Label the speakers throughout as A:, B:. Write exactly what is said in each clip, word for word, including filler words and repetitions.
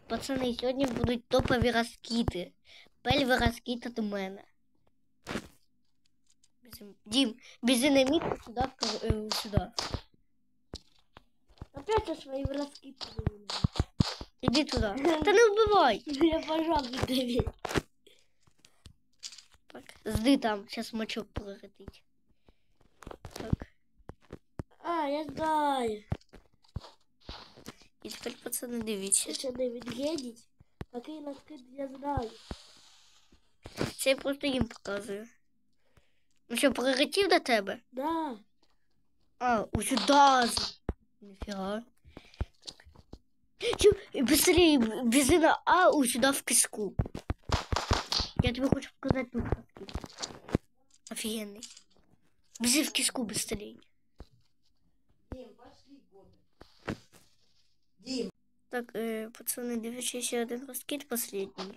A: Пацани, сьогодні будуть топові розкіти. Пельви розкіти до мене. Дім, без динаміта сюди, э, сюди.
B: Опять со своим раскидыванием.
A: Иди туда. Та не вбивай.
B: Я, пожалуйста, Давид.
A: Так, жди там, сейчас мочок пролетить. Так.
B: А, я знаю.
A: І тепер, пацани, дивіться.
B: Что, Давид, гений? Какие раскид я знаю.
A: Це я просто їм показую. Ну що, прилетів до тебе?
B: Да.
A: А, у сюда. Нифига. Чё, быстрее, безина А, у сюда в песку. Я тебе хочу показать тут. Офигенный. Бези в киску быстрее.
C: Дим, пошли, Коля. Дим.
A: Так, э, пацаны, дивіться, еще один раскид последний.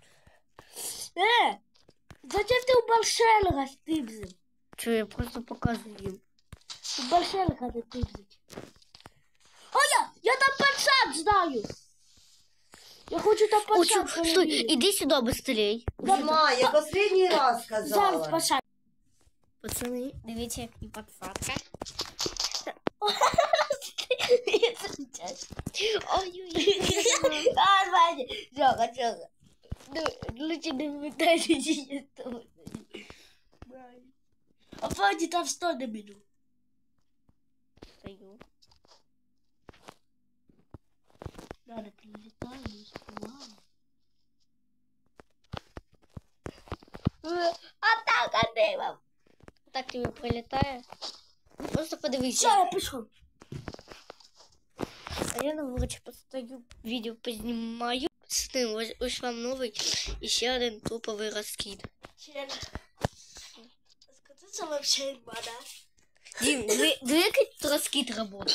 B: Э! Зачем ты у Большелга стыбзил?
A: Че, я просто показываю им.
B: У Большелга ты стыбзил. А я! Я там подсад знаю! Я хочу там
A: О,
B: подсад.
A: чё, стой, иди сюда быстрей.
C: Дима, я последний раз
B: Зараз
C: сказала.
B: подсад.
A: Пацаны, дивіться, як і подсадка. Ой-ой-ой.
B: А, Ваня, жалко, жалко. Ну, лучше не пытайся не то. А Ваня там сто на минут.
A: Стою.
B: Надо прилетать, не успеваю. Атака дымом.
A: Так тебе прилетає. Просто подивися.
B: Все, я пошел.
A: А я на вулиці постою, відео познімаю. Пацани, ось, ось вам новий і ще один топовий розкид.
B: Скажи, вообще мада.
A: Дім, диви, диви, який тут розкид працює.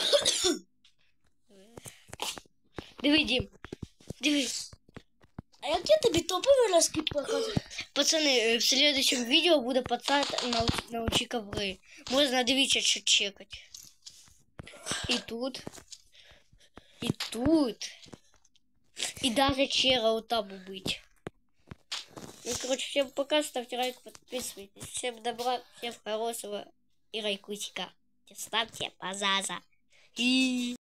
A: Диви, Дім. Диви.
B: А я где тебе топовый раскид показываю?
A: Пацани, в следующем відео буде пацан на, научи коври. Можна, дивіться, що чекати. І тут. І тут. И даже чера у табу быть. Ну, короче, всем пока, ставьте лайк, подписывайтесь. Всем добра, всем хорошего и райкусика. Ставьте пазаза. И...